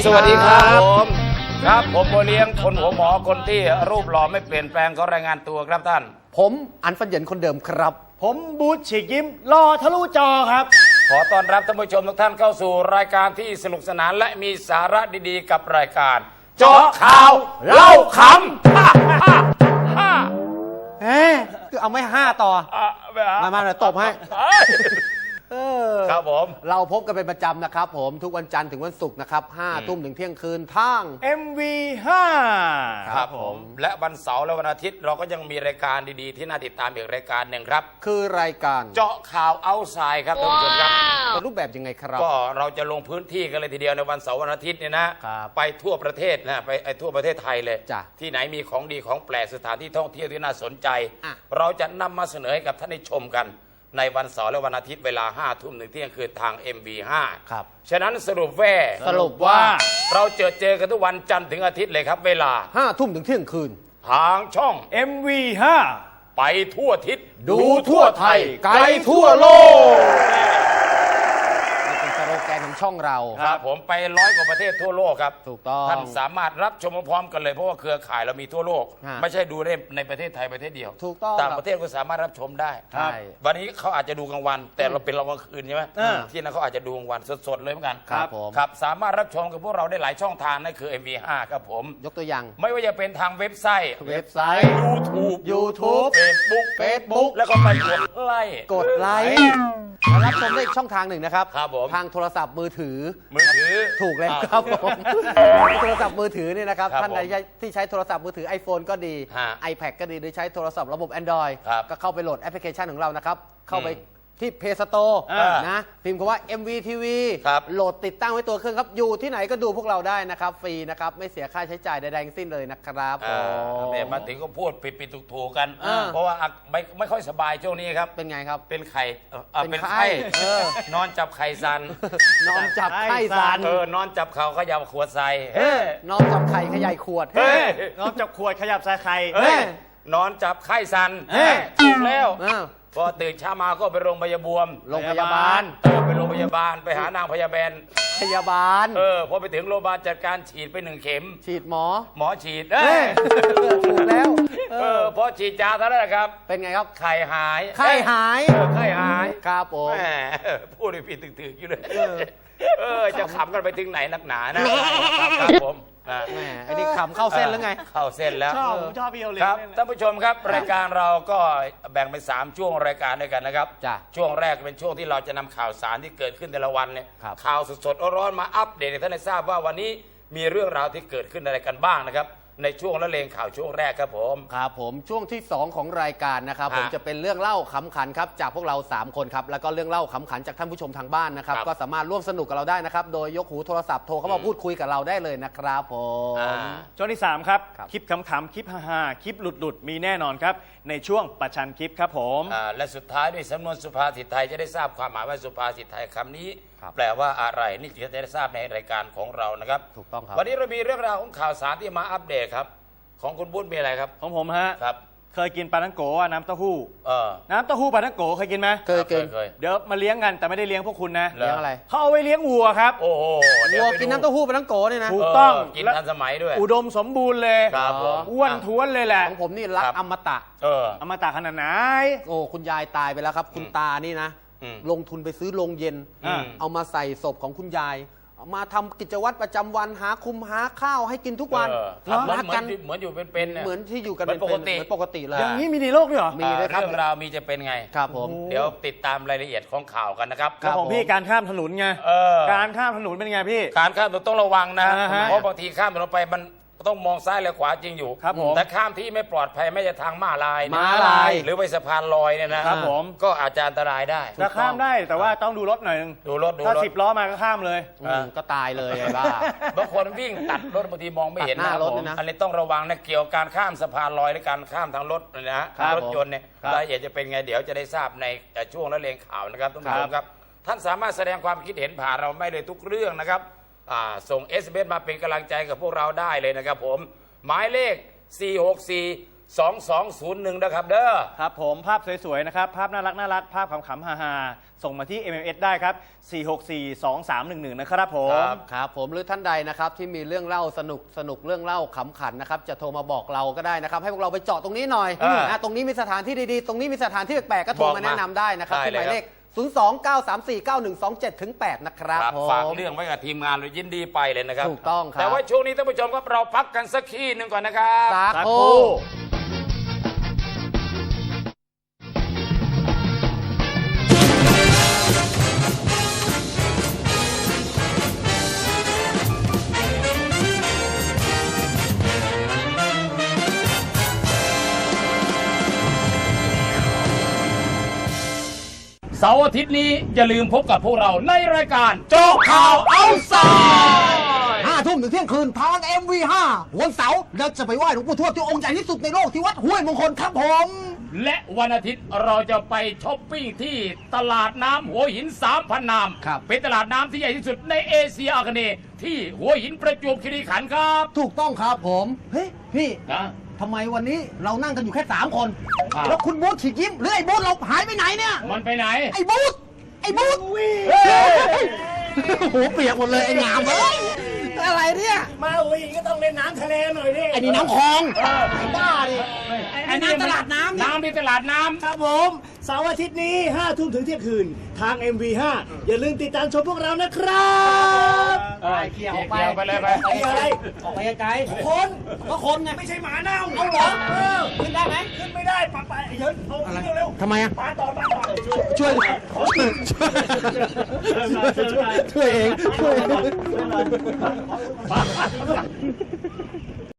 สวัสดีครับผมครับผมโบเลี้ยงคนหัวหมอคนที่รูปหล่อไม่เปลี่ยนแปลงก็รายงานตัวครับท่านผมอันฟันเหยินคนเดิมครับผมบูธฉีกยิ้มรอทะลุจอครับขอต้อนรับท่านผู้ชมทุกท่านเข้าสู่รายการที่สนุกสนานและมีสาระดีๆกับรายการเจาะข่าวเล่าขำคือเอาไม่5ต่อมาเลยตบให้ครับผมเราพบกันเป็นประจำนะครับผมทุกวันจันทร์ถึงวันศุกร์นะครับ5 ทุ่มถึงเที่ยงคืนทาง MV5 ครับผมและวันเสาร์และวันอาทิตย์เราก็ยังมีรายการดีๆที่น่าติดตามอีกรายการหนึ่งครับคือรายการเจาะข่าวเอาท์ไซด์ครับท่านผู้ชมครับเป็นรูปแบบยังไงครับก็เราจะลงพื้นที่กันเลยทีเดียวในวันเสาร์วันอาทิตย์เนี่ยนะไปทั่วประเทศนะไปทั่วประเทศไทยเลยที่ไหนมีของดีของแปลกสถานที่ท่องเที่ยวที่น่าสนใจเราจะนำมาเสนอให้กับท่านได้ชมกันในวันเสาร์และวันอาทิตย์เวลา5 ทุ่มถึงเที่ยงคืนทาง MV5 ครับฉะนั้นสรุปว่าเราเจอกันทุกวันจันทร์ถึงอาทิตย์เลยครับเวลา 5 ทุ่มถึงเที่ยงคืนทางช่อง MV5 ไปทั่วทิศดูทั่วไทยไกลทั่วโลกนี่เป็นสโลแกนของช่องเราครับผมไป100 กว่าประเทศทั่วโลกครับถูกต้องท่านสามารถรับชมพร้อมกันเลยเพราะว่าเครือข่ายเรามีทั่วโลกไม่ใช่ดูในประเทศไทยประเทศเดียวถูกต้องต่างประเทศก็สามารถรับชมได้วันนี้เขาอาจจะดูกลางวันแต่เราเป็นกลางคืนใช่ไหมที่นั่นเขาอาจจะดูกลางวันสดๆเลยเหมือนกันครับผมครับสามารถรับชมกับพวกเราได้หลายช่องทางนั่นคือ MV5 ครับผมยกตัวอย่างไม่ว่าจะเป็นทางเว็บไซต์ YouTube Facebook แล้วก็ไปกดไลค์รับชมได้อีกช่องทางหนึ่งนะครับทางโทรศัพท์มือถือถูกแล้วครับผมโทรศัพท์มือถือเนี่ยนะครับท่านใดที่ใช้โทรศัพท์มือถือ iPhone ก็ดี iPad ก็ดีหรือใช้โทรศัพท์ระบบ Android ก็เข้าไปโหลดแอปพลิเคชันของเรานะครับเข้าไปที่ Play Store นะพิมพ์คำว่า MVTV โหลดติดตั้งไว้ตัวเครื่องครับอยู่ที่ไหนก็ดูพวกเราได้นะครับฟรีนะครับไม่เสียค่าใช้จ่ายใดๆทั้งสิ้นเลยนะครับมาถึงก็พูดปิดๆถูกๆกันเพราะว่าไม่ค่อยสบายช่วงนี้ครับเป็นไงครับเป็นไข่เป็นไข้นอนจับไข่ซันนอนจับไข่ซันนอนจับเข่าขยับขวดใส่นอนจับไข่ขยายขวดนอนจับขวดขยับใส่ไข่นอนจับไข่ซันถูกแล้วพอตื่นเช้ามาก็ไปโรงพยาบาลไปโรงพยาบาลไปหานางพยาบาลพอไปถึงโรงพยาบาลจัดการฉีดไป1 เข็มฉีดหมอฉีดถูกแล้วพอฉีดยาเท่านั้นแหละครับเป็นไงครับไข้หายครับผมพูดผิดถึกๆอยู่เลยจะขำกันไปถึงไหนนักหนานะครับผมอันนี้ขำเข้าเส้นแล้วไงเข้าเส้นแล้วชอบพี่โอเลี้ยงครับท่านผู้ชมครับรายการเราก็แบ่งเป็น3 ช่วงรายการด้วยกันนะครับช่วงแรกเป็นช่วงที่เราจะนำข่าวสารที่เกิดขึ้นแต่ละวันเนี่ยข่าวสดๆร้อนๆมาอัปเดตให้ท่านได้ทราบว่าวันนี้มีเรื่องราวที่เกิดขึ้นอะไรกันบ้างนะครับในช่วงละเลงข่าวช่วงแรกครับผมช่วงที่2ของรายการนะครับผมจะเป็นเรื่องเล่าขำขันครับจากพวกเรา3 คนครับแล้วก็เรื่องเล่าขำขันจากท่านผู้ชมทางบ้านนะครับก็สามารถร่วมสนุกกับเราได้นะครับโดยยกหูโทรศัพท์โทรเข้ามาพูดคุยกับเราได้เลยนะครับผมช่วงที่3ครับคลิปขำๆคลิปฮาๆคลิปหลุดๆมีแน่นอนครับในช่วงประชันคลิปครับผมและสุดท้ายด้วยสำนวนสุภาษิตไทยจะได้ทราบความหมายว่าสุภาษิตไทยคำนี้แปลว่าอะไรนี่จะได้ทราบในรายการของเรานะครับถูกต้องครับวันนี้เรามีเรื่องราวของข่าวสารที่มาอัปเดตครับของคุณบุญมีอะไรครับของผมฮะครับเคยกินปลาทังโกะน้ำเต้าหู้น้ำเต้าหู้ปลาทังโกะเคยกินไหมเคยเดี๋ยวมาเลี้ยงกันแต่ไม่ได้เลี้ยงพวกคุณนะเลี้ยงอะไรเขาเอาไว้เลี้ยงวัวครับโอ้โหวัวกินน้ำเต้าหู้ปลาทังโกะเนี่ยนะถูกต้องกินทันสมัยด้วยอุดมสมบูรณ์เลยอ้วนท้วนเลยแหละของผมนี่รักอมตะอมตะขนาดไหนโอ้คุณยายตายไปแล้วครับคุณตานี่นะลงทุนไปซื้อโรงเย็นเอามาใส่ศพของคุณยายมาทำกิจวัตรประจำวันหาข้าวให้กินทุกวันรักกันเหมือนอยู่เป็นเหมือนที่อยู่กันเป็นปกติเลยอย่างนี้มีในโลกด้วยเหรอมีเลยครับเรื่องราวมีจะเป็นไงครับผมเดี๋ยวติดตามรายละเอียดของข่าวกันนะครับของพี่การข้ามถนนไงการข้ามถนนเป็นไงพี่การข้ามถนนต้องระวังนะเพราะบางทีข้ามถนนไปมันต้องมองซ้ายและขวาจริงอยู่แต่ข้ามที่ไม่ปลอดภัยไม่จะทางม้าลายหรือไปสะพานลอยเนี่ยนะครับผมก็อาจจะอันตรายได้จะข้ามได้แต่ว่าต้องดูรถหน่อยนึงดูรถถ้า10 ล้อมาก็ข้ามเลยก็ตายเลยไอ้บ้าบางคนวิ่งตัดรถบางทีมองไม่เห็นหน้ารถนะอันนี้ต้องระวังนะเกี่ยวกับการข้ามสะพานลอยและการข้ามทางรถนะรถยนต์เนี่ยรายละเอียดจะเป็นไงเดี๋ยวจะได้ทราบในช่วงละเลงข่าวนะครับท่านผู้ชมครับท่านสามารถแสดงความคิดเห็นผ่านเราไม่เลยทุกเรื่องนะครับส่ง SMS มาเป็นกำลังใจกับพวกเราได้เลยนะครับผมหมายเลข 464 2201นะครับเด้อครับผมภาพสวยๆนะครับภาพน่ารักภาพขำๆฮาๆส่งมาที่ MMS ได้ครับ 4642311 นะครับผมครับผมหรือท่านใดนะครับที่มีเรื่องเล่าสนุกเรื่องเล่าขำขันนะครับจะโทรมาบอกเราก็ได้นะครับให้พวกเราไปเจาะตรงนี้หน่อยตรงนี้มีสถานที่ดีๆตรงนี้มีสถานที่แปลกๆก็โทรมาแนะนำได้นะครับที่หมายเลข 029349127-8 นะครับผมฝากเรื่องไว้กับทีมงานเลยยินดีไปเลยนะครับถูกต้องครับแต่ว่าช่วงนี้ท่านผู้ชมครับเราพักกันสักขี้หนึ่งก่อนนะครับสักสักคครู่รู่เสาร์อาทิตย์นี้อย่าลืมพบกับพวกเราในรายการโจ๊กข่าวเอาไซด์ 5 ทุ่มถึงเที่ยงคืนทาง MV5 วันเสาร์เราจะไปไหว้หลวงปู่ทวดที่องค์ใหญ่ที่สุดในโลกที่วัดห้วยมงคลครับผมและวันอาทิตย์เราจะไปช้อปปิ้งที่ตลาดน้ำหัวหิน 3,000 นามครับเป็นตลาดน้ำที่ใหญ่ที่สุดในเอเชียอาคเนย์ที่หัวหินประจวบคีรีขันธ์ครับถูกต้องครับผม เฮ้ย พี่นะทำไมวันนี้เรานั่งกันอยู่แค่ 3 คนอ่าแล้วคุณบูธฉีกยิ้มหรือไอ้บูธเราหายไปไหนเนี่ยมันไปไหนไอ้บูธไอ้บูธเฮ้ยโอ้โหเปียกหมดเลยไอ้งามเอ้ยอะไรเนี่ยมาหัวหินก็ต้องเล่นน้ำทะเลหน่อยดิไอ้นี่น้ำคลองบ้าดิไอ้น้ำตลาดน้ำน้ำที่ตลาดน้ำครับผมเสาร์อาทิตย์นี้5 ทุ่มถึงเที่ยงคืน ทาง MV5 อย่าลืมติดตามชมพวกเรานะครับเกี่ยวไปเลยไปไปอะไรออกไปไกลคนก็คนไงไม่ใช่หมาเน่าเอาเหรอขึ้นได้ไหมขึ้นไม่ได้ปะไปเยินเอาขึ้นเร็วทำไมอะปาต่อช่วยช่วยเองช่วยเอง